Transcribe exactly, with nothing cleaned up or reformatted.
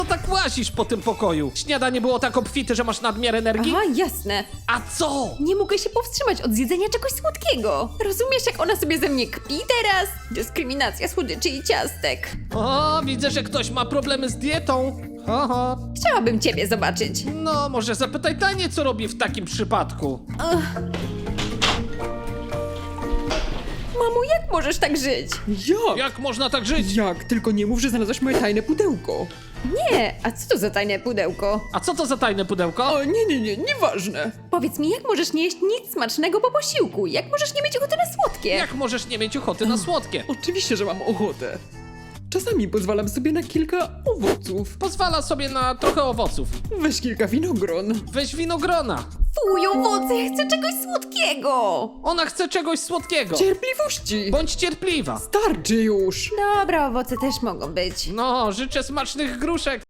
No tak łazisz po tym pokoju. Śniadanie było tak obfite, że masz nadmiar energii? Aha, jasne. A co? Nie mogę się powstrzymać od zjedzenia czegoś słodkiego. Rozumiesz, jak ona sobie ze mnie kpi teraz? Dyskryminacja słodyczy i ciastek. O, widzę, że ktoś ma problemy z dietą. Oho. Chciałabym ciebie zobaczyć. No, może zapytaj Tanię, co robi w takim przypadku. Mamo, jak możesz tak żyć? Jak? Jak można tak żyć? Jak? Tylko nie mów, że znalazłaś moje tajne pudełko. Nie, a co to za tajne pudełko? A co to za tajne pudełko? O, nie, nie, nie, nieważne. Powiedz mi, jak możesz nie jeść nic smacznego po posiłku? Jak możesz nie mieć ochoty na słodkie? Jak możesz nie mieć ochoty na słodkie? Oczywiście, że mam ochotę. Czasami pozwalam sobie na kilka owoców. Pozwala sobie na trochę owoców. Weź kilka winogron. Weź winogrona. Fuj, owoce, ja chcę czegoś słodkiego! Ona chce czegoś słodkiego. Cierpliwości! Bądź cierpliwa. Starczy już! Dobra, owoce też mogą być. No, życzę smacznych gruszek.